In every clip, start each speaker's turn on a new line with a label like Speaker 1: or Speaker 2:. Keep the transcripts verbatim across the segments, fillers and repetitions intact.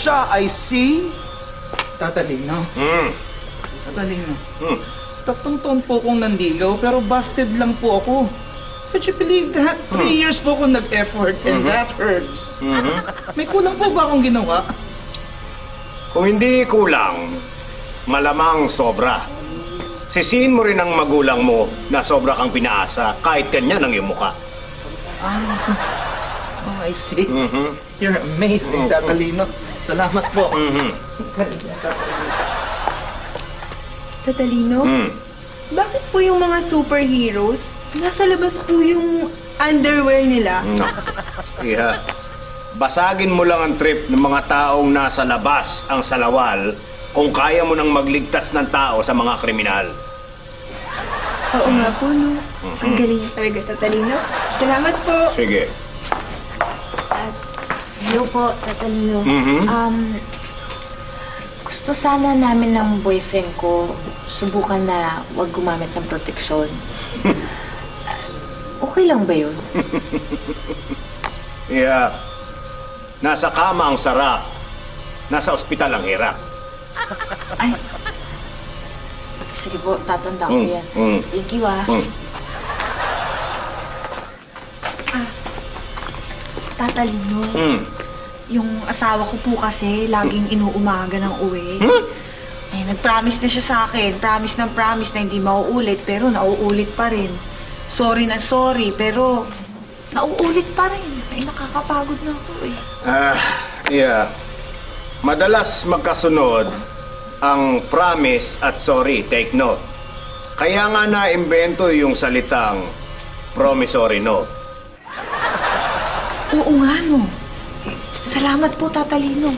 Speaker 1: siya ay si... Tatalino.
Speaker 2: Hmm.
Speaker 1: Tatalino.
Speaker 2: Hmm.
Speaker 1: Tatlong taon po akong nandigaw, pero busted lang po ako. Could you believe that? Three years po akong nag-effort, and that hurts. May kulang po ba akong ginawa?
Speaker 2: Kung hindi kulang, malamang sobra. Sisihin mo rin ang magulang mo na sobra kang pinaasa kahit kanya ng iyong mukha.
Speaker 1: Oh, I see.
Speaker 2: Mhm.
Speaker 1: You're amazing, Tatalino. Salamat po.
Speaker 2: Mhm.
Speaker 3: Tatalino?
Speaker 2: Hmm.
Speaker 3: Bakit po yung mga superheroes, nasa labas po yung underwear nila?
Speaker 2: Yeah. Basagin mo lang ang trip ng mga taong nasa labas ang salawal kung kaya mo nang magligtas ng tao sa mga kriminal.
Speaker 3: Oo nga po, no? Ang galing niya talaga, Tatalino. Salamat po.
Speaker 2: Sige.
Speaker 4: Hello po, Tatalino.
Speaker 2: Mhm.
Speaker 4: Um, gusto sana namin ng boyfriend ko subukan na wag gumamit ng proteksyon. Okay lang ba yun?
Speaker 2: Yeah. Nasa kama ang sarap. Nasa ospital ang hirap.
Speaker 4: Ay. Sige po, tatanda ko
Speaker 2: Mm,
Speaker 4: yan.
Speaker 2: mm.
Speaker 4: Thank you, ah.
Speaker 2: Hmm.
Speaker 3: Tatalino,
Speaker 2: Hmm.
Speaker 3: yung asawa ko po kasi laging inuumaga ng uwi. Eh, nag-promise na siya sa akin. Promise ng promise na hindi mauulit, pero nauulit pa rin. Sorry na sorry, pero nauulit pa rin. Ay, nakakapagod na ako eh.
Speaker 2: Ah, yeah. Madalas magkasunod ang promise at sorry, take note. Kaya nga na-imbento yung salitang promissory note.
Speaker 3: Oo nga, no. Salamat po, Tatalino.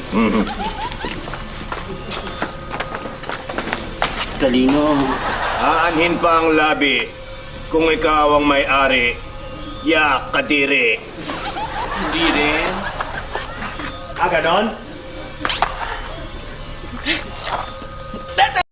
Speaker 1: Tatalino.
Speaker 2: Aanhin pa ang labi kung ikaw ang may-ari. Yak, kadiri.
Speaker 1: Hindi rin.
Speaker 2: Ah, ganon?